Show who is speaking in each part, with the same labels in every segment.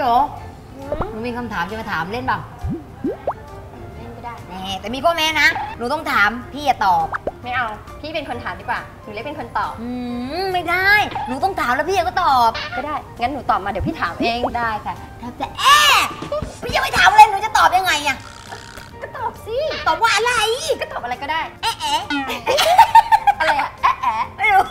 Speaker 1: โยหนูมีคำถามจะมาถามเล่นบ้าง
Speaker 2: เล่นก็ได้
Speaker 1: แต่มีข้อแม้นะหนูต้องถามพี่อย่าตอบ
Speaker 2: ไม่เอาพี่เป็นคนถามดีกว่าหนูเล็กเป็นคนตอบ
Speaker 1: ไม่ได้หนูต้องถามแล้วพี่ก็ตอบ
Speaker 2: ก็ได้งั้นหนูตอบมาเดี๋ยวพี่ถามเอง
Speaker 1: ได้ค่ะแต่พี่ยังไม่ถามเลยหนูจะตอบยังไงอะ
Speaker 2: ก็ตอบสิ
Speaker 1: ตอบว่าอะไร
Speaker 2: ก็ตอบอะไรก็ได้อะไรอะ
Speaker 1: ไม่รู้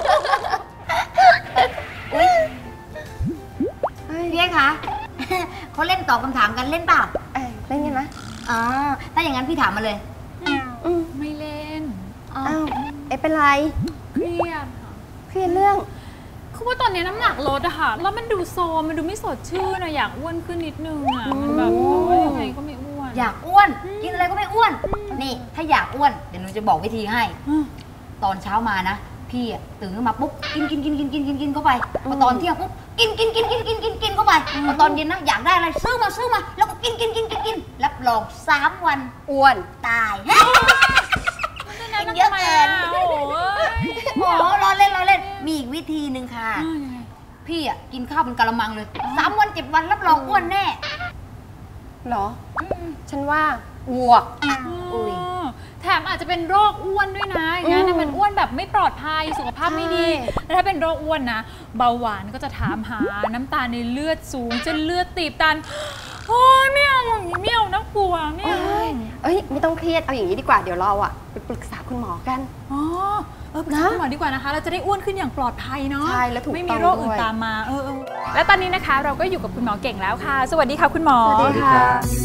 Speaker 1: พี่คะเขาเล่นตอบคำถามกันเล่นเปล่า
Speaker 2: เล่นกันนะ
Speaker 1: ถ้าอย่างนั้นพี่ถามมาเลย
Speaker 3: ไม่เล่น
Speaker 2: เป็นไร
Speaker 3: เครียดค่ะ
Speaker 2: เครียดเรื่อง
Speaker 3: คือว่าตอนนี้น้ำหนักลดอะค่ะแล้วมันดูโซมมันดูไม่สดชื่นอะอยากอ้วนขึ้นนิดนึงอะมันแบบว่ายังไงก็ไม่อ้วน
Speaker 1: อยากอ้วนกินอะไรก็ไม่อ้วนนี่ถ้าอยากอ้วนเดี๋ยวหนูจะบอกวิธีให้ตอนเช้ามานะพี่ตื่นขึ้นมาปุ๊บกินเข้าไปพอตอนเที่ยงปุ๊บกินเข้าไปพอตอนเย็นนะอยากได้อะไรซื้อมาแล้วก็กินรับรอง3 วัน
Speaker 2: อ้วน
Speaker 1: ตายกินเยอะเกินโอ้รอเล่นมีอีกวิธีหนึ่งค่ะพี่กินข้าวเป็นกะละมังเลย3 วัน7 วันรับรองอ้วนแน่
Speaker 2: หรอฉันว่าอ้วก
Speaker 3: แถมอาจจะเป็นโรคอ้วนด้วยนะงั้นมันอ้วนแบบไม่ปลอดภัยสุขภาพไม่ดีแล้วถ้าเป็นโรคอ้วนนะเบาหวานก็จะถามหาน้ำตาลในเลือดสูงจนเลือดตีบตันโอ้ยไม่เอาอย่างนี้ไม่เอานะกลัวไม่เอา
Speaker 2: ไม่ต้องเครียดเอาอย่างนี้ดีกว่าเดี๋ยวเราไปปรึกษาคุณหมอกัน
Speaker 3: ปรึกษาคุณหมอดีกว่านะคะเราจะได้อ้วนขึ้นอย่างปลอดภัยเนาะ
Speaker 2: ใช่แล้วถูก
Speaker 3: ไม่มีโรคอื่นตามมาและตอนนี้นะคะเราก็อยู่กับคุณหมอเก่งแล้วค่ะสวัสดีค่ะคุณหมอ
Speaker 2: สวัสดีค่ะ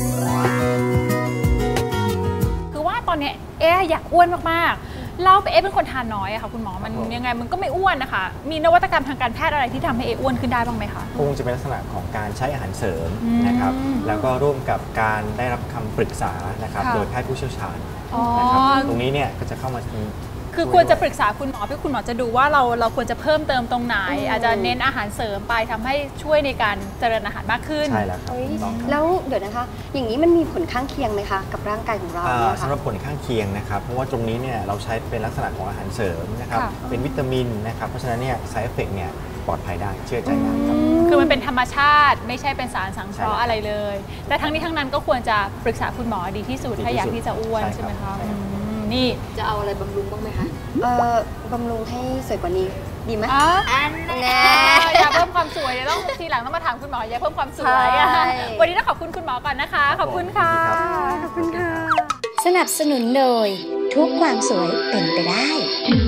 Speaker 3: ตอนนี้อยากอ้วนมากๆเราเป็นคนทานน้อยอะค่ะคุณหมอมันยังไงมันก็ไม่อ้วนนะคะมีนวัตกรรมทางการแพทย์อะไรที่ทำให้อ้วนขึ้นได้บ้างไหมคะ
Speaker 4: คงจะเป็นลักษณะของการใช้อาหารเสริมนะครับแล้วก็ร่วมกับการได้รับคำปรึกษานะครับโดยแพทย์ผู้เชี่ยวชาญนะครับตรงนี้เนี่ยก็จะเข้ามา
Speaker 3: คือควรจะปรึกษาคุณหมอเพื่อคุณหมอจะดูว่าเราควรจะเพิ่มเติมตรงไหนอาจจะเน้นอาหารเสริมไปทำให้ช่วยในการเจริญอาหารมากขึ้น
Speaker 4: ใช่แล้วครับ
Speaker 2: แล้วเดี๋ยวนะคะอย่างนี้มันมีผลข้างเคียงไหมคะกับร่างกายของเรา
Speaker 4: สำหรับผลข้างเคียงนะครับเพราะว่าตรงนี้เนี่ยเราใช้เป็นลักษณะของอาหารเสริมนะครับเป็นวิตามินนะครับเพราะฉะนั้นเนี่ย side effect เนี่ยปลอดภัยได้เชื่อใจได้ครับ
Speaker 3: คือมันเป็นธรรมชาติไม่ใช่เป็นสารสังเคราะห์อะไรเลยแต่ทั้งนี้ทั้งนั้นก็ควรจะปรึกษาคุณหมอดีที่สุดถ้าอยากที่จะอ้วนใช่ไหมคะนี่
Speaker 1: จะเอาอะไรบำรุงบ้างไหมคะ
Speaker 2: บำรุงให้สวยกว่านี้ดีไหม
Speaker 3: อย่าเพิ่มความสวยเดี๋ยวต้องทีหลังต้องมาถามคุณหมออย่าเพิ่มความสวยวันนี้ต้องขอบคุณคุณหมอก่อนนะคะขอบคุณค่ะ
Speaker 2: ขอบคุณค่ะ
Speaker 5: สนับสนุนโดยทุกความสวยเป็นไปได้